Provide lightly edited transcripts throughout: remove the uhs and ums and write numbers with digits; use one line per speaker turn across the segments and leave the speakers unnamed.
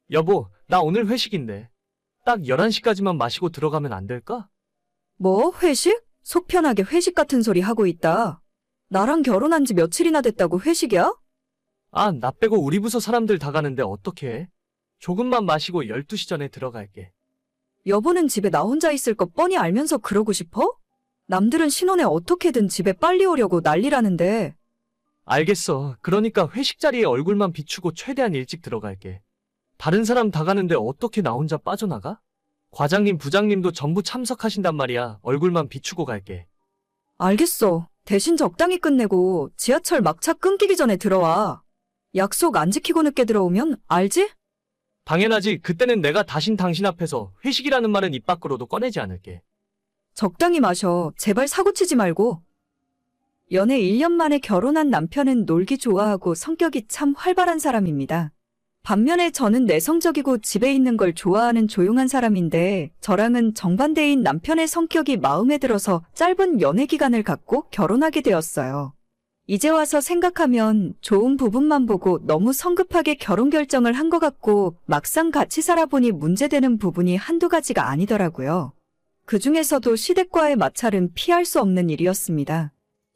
여보, 나 오늘 회식인데. 딱 11시까지만 마시고 들어가면 안 될까?
뭐, 회식? 속 편하게 회식 같은 소리 하고 있다. 나랑 결혼한 지 며칠이나 됐다고 회식이야?
아, 나 빼고 우리 부서 사람들 다 가는데 어떡해? 조금만 마시고 12시 전에 들어갈게.
여보는 집에 나 혼자 있을 거 뻔히 알면서 그러고 싶어? 남들은 신혼에 어떻게든 집에 빨리 오려고 난리라는데.
알겠어. 그러니까 회식 자리에 얼굴만 비추고 최대한 일찍 들어갈게. 다른 사람 다 가는데 어떻게 나 혼자 빠져나가? 과장님, 부장님도 전부 참석하신단 말이야. 얼굴만 비추고 갈게.
알겠어. 대신 적당히 끝내고 지하철 막차 끊기기 전에 들어와. 약속 안 지키고 늦게 들어오면 알지?
당연하지. 그때는 내가 다신 당신 앞에서 회식이라는 말은 입 밖으로도 꺼내지 않을게.
적당히 마셔. 제발 사고치지 말고. 연애 1년 만에 결혼한 남편은 놀기 좋아하고 성격이 참 활발한 사람입니다. 반면에 저는 내성적이고 집에 있는 걸 좋아하는 조용한 사람인데 저랑은 정반대인 남편의 성격이 마음에 들어서 짧은 연애 기간을 갖고 결혼하게 되었어요. 이제 와서 생각하면 좋은 부분만 보고 너무 성급하게 결혼 결정을 한 것 같고 막상 같이 살아보니 문제되는 부분이 한두 가지가 아니더라고요. 그 중에서도 시댁과의 마찰은 피할 수 없는 일이었습니다.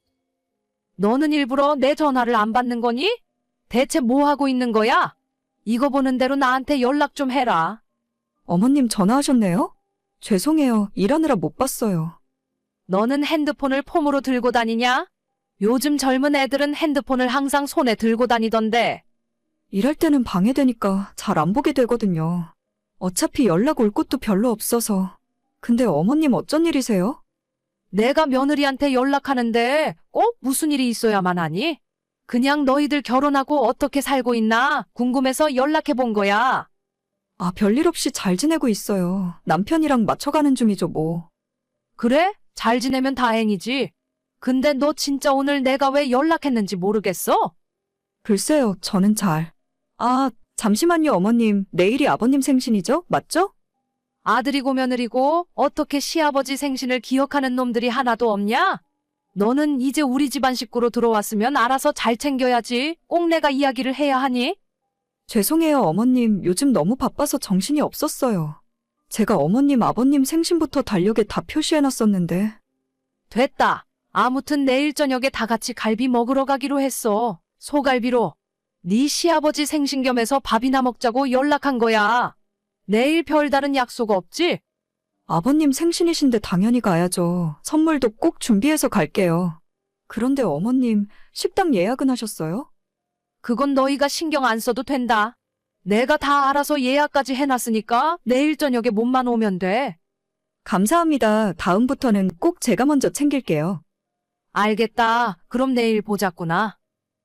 너는 일부러 내 전화를 안 받는 거니? 대체 뭐 하고 있는 거야? 이거 보는 대로 나한테 연락 좀 해라.
어머님 전화하셨네요? 죄송해요. 일하느라 못 봤어요.
너는 핸드폰을 폼으로 들고 다니냐? 요즘 젊은 애들은 핸드폰을 항상 손에 들고 다니던데.
일할 때는 방해되니까 잘 안 보게 되거든요. 어차피 연락 올 곳도 별로 없어서. 근데 어머님 어쩐 일이세요?
내가 며느리한테 연락하는데 꼭 무슨 일이 있어야만 하니? 그냥 너희들 결혼하고 어떻게 살고 있나 궁금해서 연락해 본 거야.
아, 별일 없이 잘 지내고 있어요. 남편이랑 맞춰가는 중이죠, 뭐.
그래? 잘 지내면 다행이지. 근데 너 진짜 오늘 내가 왜 연락했는지 모르겠어?
글쎄요, 저는 잘. 아, 잠시만요, 어머님. 내일이 아버님 생신이죠? 맞죠?
아들이고 며느리고 어떻게 시아버지 생신을 기억하는 놈들이 하나도 없냐? 너는 이제 우리 집안 식구로 들어왔으면 알아서 잘 챙겨야지. 꼭 내가 이야기를 해야 하니?
죄송해요, 어머님. 요즘 너무 바빠서 정신이 없었어요. 제가 어머님, 아버님 생신부터 달력에 다 표시해놨었는데.
됐다. 아무튼 내일 저녁에 다 같이 갈비 먹으러 가기로 했어. 소갈비로. 네 시아버지 생신 겸해서 밥이나 먹자고 연락한 거야. 내일 별다른 약속 없지?
아버님 생신이신데 당연히 가야죠. 선물도 꼭 준비해서 갈게요. 그런데 어머님, 식당 예약은 하셨어요?
그건 너희가 신경 안 써도 된다. 내가 다 알아서 예약까지 해놨으니까 내일 저녁에 몸만 오면 돼.
감사합니다. 다음부터는 꼭 제가 먼저 챙길게요.
알겠다. 그럼 내일 보자꾸나.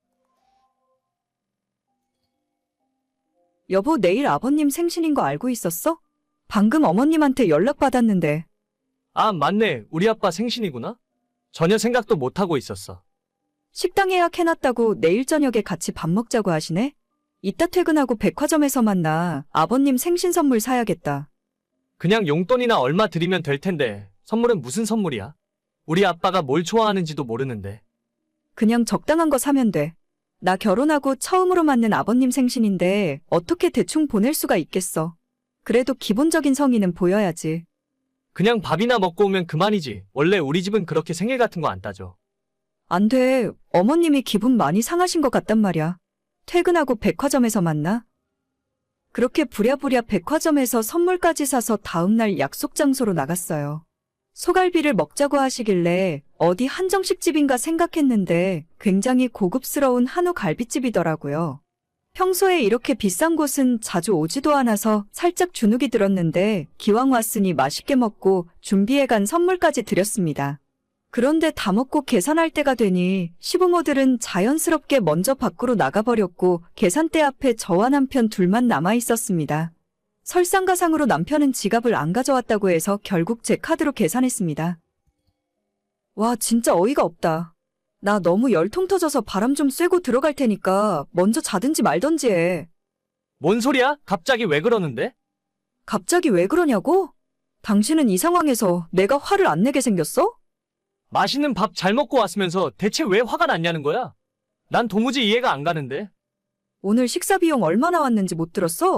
여보, 내일 아버님 생신인 거 알고 있었어? 방금 어머님한테 연락받았는데.
아, 맞네. 우리 아빠 생신이구나. 전혀 생각도 못하고 있었어.
식당 예약해놨다고 내일 저녁에 같이 밥 먹자고 하시네? 이따 퇴근하고 백화점에서 만나 아버님 생신 선물 사야겠다.
그냥 용돈이나 얼마 드리면 될 텐데 선물은 무슨 선물이야? 우리 아빠가 뭘 좋아하는지도 모르는데.
그냥 적당한 거 사면 돼. 나 결혼하고 처음으로 맞는 아버님 생신인데 어떻게 대충 보낼 수가 있겠어. 그래도 기본적인 성의는 보여야지.
그냥 밥이나 먹고 오면 그만이지. 원래 우리 집은 그렇게 생일 같은 거 안 따져.
안 돼. 어머님이 기분 많이 상하신 것 같단 말이야. 퇴근하고 백화점에서 만나. 그렇게 부랴부랴 백화점에서 선물까지 사서 다음날 약속 장소로 나갔어요. 소갈비를 먹자고 하시길래 어디 한정식집인가 생각했는데 굉장히 고급스러운 한우 갈비집이더라고요. 평소에 이렇게 비싼 곳은 자주 오지도 않아서 살짝 주눅이 들었는데 기왕 왔으니 맛있게 먹고 준비해간 선물까지 드렸습니다. 그런데 다 먹고 계산할 때가 되니 시부모들은 자연스럽게 먼저 밖으로 나가버렸고 계산대 앞에 저와 남편 둘만 남아 있었습니다. 설상가상으로 남편은 지갑을 안 가져왔다고 해서 결국 제 카드로 계산했습니다. 와, 진짜 어이가 없다. 나 너무 열통 터져서 바람 좀 쐬고 들어갈 테니까 먼저 자든지 말던지 해.
뭔 소리야? 갑자기 왜 그러는데?
갑자기 왜 그러냐고? 당신은 이 상황에서 내가 화를 안 내게 생겼어?
맛있는 밥 잘 먹고 왔으면서 대체 왜 화가 났냐는 거야? 난 도무지 이해가 안 가는데.
오늘 식사 비용 얼마 나왔는지 못 들었어?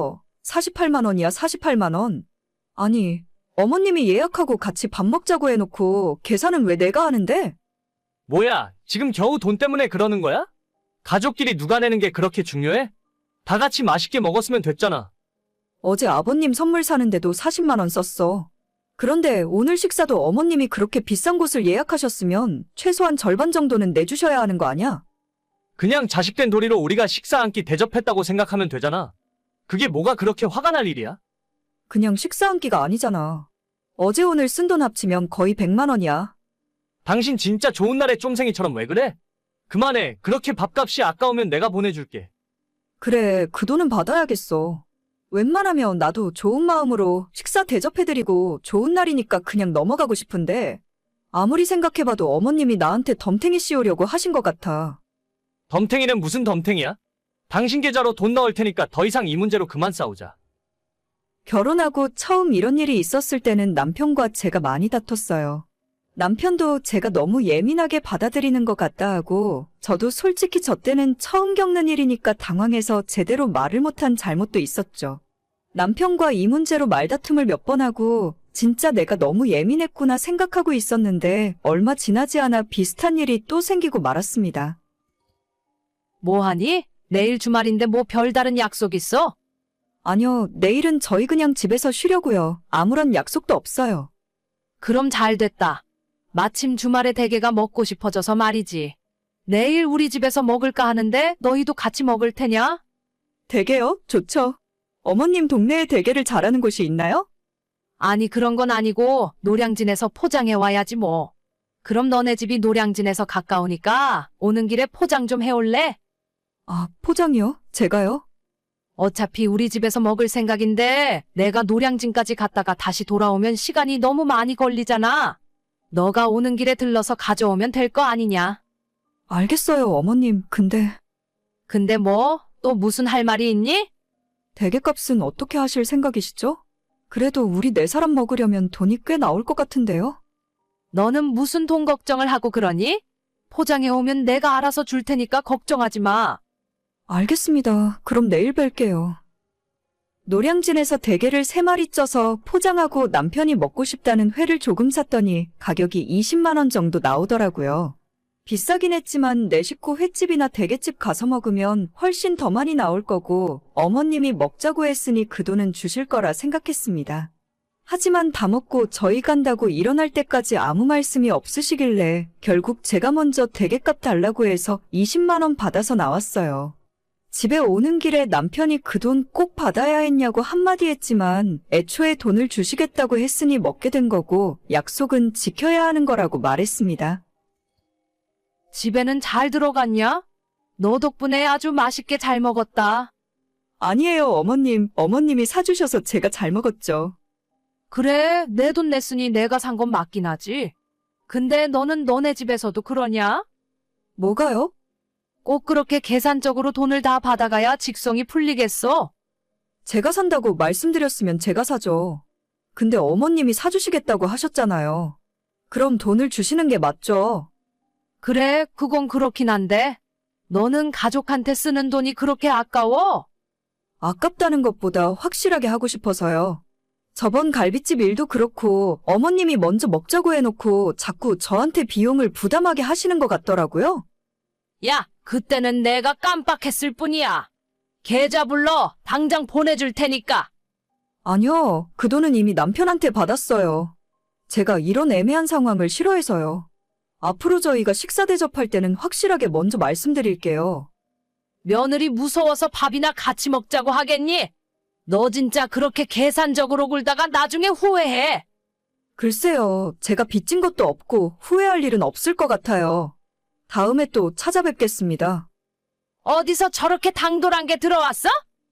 48만 원이야, 48만 원. 아니, 어머님이 예약하고 같이 밥 먹자고 해놓고 계산은 왜 내가 하는데?
뭐야, 지금 겨우 돈 때문에 그러는 거야? 가족끼리 누가 내는 게 그렇게 중요해? 다 같이 맛있게 먹었으면 됐잖아.
어제 아버님 선물 사는데도 40만 원 썼어. 그런데 오늘 식사도 어머님이 그렇게 비싼 곳을 예약하셨으면 최소한 절반 정도는 내주셔야 하는 거 아니야?
그냥 자식된 도리로 우리가 식사 한 끼 대접했다고 생각하면 되잖아. 그게 뭐가 그렇게 화가 날 일이야?
그냥 식사 한 끼가 아니잖아. 어제 오늘 쓴 돈 합치면 거의 100만 원이야.
당신 진짜 좋은 날에 쫌생이처럼 왜 그래? 그만해. 그렇게 밥값이 아까우면 내가 보내줄게.
그래, 그 돈은 받아야겠어. 웬만하면 나도 좋은 마음으로 식사 대접해드리고 좋은 날이니까 그냥 넘어가고 싶은데 아무리 생각해봐도 어머님이 나한테 덤탱이 씌우려고 하신 것 같아.
덤탱이는 무슨 덤탱이야? 당신 계좌로 돈 넣을 테니까 더 이상 이 문제로 그만 싸우자.
결혼하고 처음 이런 일이 있었을 때는 남편과 제가 많이 다퉜어요. 남편도 제가 너무 예민하게 받아들이는 것 같다 하고 저도 솔직히 저 때는 처음 겪는 일이니까 당황해서 제대로 말을 못한 잘못도 있었죠. 남편과 이 문제로 말다툼을 몇 번 하고 진짜 내가 너무 예민했구나 생각하고 있었는데 얼마 지나지 않아 비슷한 일이 또 생기고 말았습니다.
뭐하니? 내일 주말인데 뭐 별다른 약속 있어?
아니요, 내일은 저희 그냥 집에서 쉬려고요. 아무런 약속도 없어요.
그럼 잘 됐다. 마침 주말에 대게가 먹고 싶어져서 말이지. 내일 우리 집에서 먹을까 하는데 너희도 같이 먹을 테냐?
대게요? 좋죠. 어머님 동네에 대게를 잘하는 곳이 있나요?
아니 그런 건 아니고 노량진에서 포장해 와야지 뭐. 그럼 너네 집이 노량진에서 가까우니까 오는 길에 포장 좀 해올래?
아, 포장이요? 제가요?
어차피 우리 집에서 먹을 생각인데 내가 노량진까지 갔다가 다시 돌아오면 시간이 너무 많이 걸리잖아. 너가 오는 길에 들러서 가져오면 될 거 아니냐.
알겠어요, 어머님. 근데
뭐? 또 무슨 할 말이 있니?
대게값은 어떻게 하실 생각이시죠? 그래도 우리 네 사람 먹으려면 돈이 꽤 나올 것 같은데요?
너는 무슨 돈 걱정을 하고 그러니? 포장해 오면 내가 알아서 줄 테니까 걱정하지 마.
알겠습니다. 그럼 내일 뵐게요. 노량진에서 대게를 3마리 쪄서 포장하고 남편이 먹고 싶다는 회를 조금 샀더니 가격이 20만 원 정도 나오더라고요. 비싸긴 했지만 내 식구 횟집이나 대게집 가서 먹으면 훨씬 더 많이 나올 거고 어머님이 먹자고 했으니 그 돈은 주실 거라 생각했습니다. 하지만 다 먹고 저희 간다고 일어날 때까지 아무 말씀이 없으시길래 결국 제가 먼저 대게값 달라고 해서 20만 원 받아서 나왔어요. 집에 오는 길에 남편이 그 돈 꼭 받아야 했냐고 한마디 했지만 애초에 돈을 주시겠다고 했으니 먹게 된 거고 약속은 지켜야 하는 거라고 말했습니다.
집에는 잘 들어갔냐? 너 덕분에 아주 맛있게 잘 먹었다.
아니에요, 어머님. 어머님이 사주셔서 제가 잘 먹었죠.
그래, 내 돈 냈으니 내가 산 건 맞긴 하지. 근데 너는 너네 집에서도 그러냐?
뭐가요?
꼭 그렇게 계산적으로 돈을 다 받아가야 직성이 풀리겠어?
제가 산다고 말씀드렸으면 제가 사죠. 근데 어머님이 사주시겠다고 하셨잖아요. 그럼 돈을 주시는 게 맞죠?
그래, 그건 그렇긴 한데. 너는 가족한테 쓰는 돈이 그렇게 아까워?
아깝다는 것보다 확실하게 하고 싶어서요. 저번 갈비집 일도 그렇고 어머님이 먼저 먹자고 해놓고 자꾸 저한테 비용을 부담하게 하시는 것 같더라고요.
야, 그때는 내가 깜빡했을 뿐이야. 계좌 불러. 당장 보내줄 테니까.
아니요, 그 돈은 이미 남편한테 받았어요. 제가 이런 애매한 상황을 싫어해서요. 앞으로 저희가 식사 대접할 때는 확실하게 먼저 말씀드릴게요.
며느리 무서워서 밥이나 같이 먹자고 하겠니? 너 진짜 그렇게 계산적으로 굴다가 나중에 후회해.
글쎄요, 제가 빚진 것도 없고 후회할 일은 없을 것 같아요. 다음에 또 찾아뵙겠습니다.
어디서 저렇게 당돌한 게 들어왔어?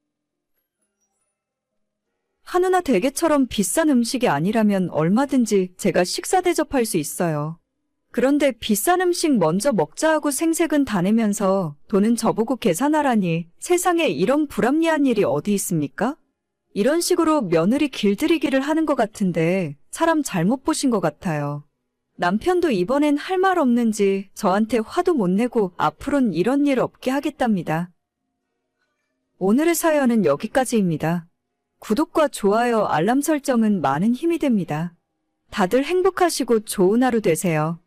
한우나 대게처럼 비싼 음식이 아니라면 얼마든지 제가 식사 대접할 수 있어요. 그런데 비싼 음식 먼저 먹자 하고 생색은 다 내면서 돈은 저보고 계산하라니 세상에 이런 불합리한 일이 어디 있습니까? 이런 식으로 며느리 길들이기를 하는 것 같은데 사람 잘못 보신 것 같아요. 남편도 이번엔 할 말 없는지 저한테 화도 못 내고 앞으론 이런 일 없게 하겠답니다. 오늘의 사연은 여기까지입니다. 구독과 좋아요, 알람 설정은 많은 힘이 됩니다. 다들 행복하시고 좋은 하루 되세요.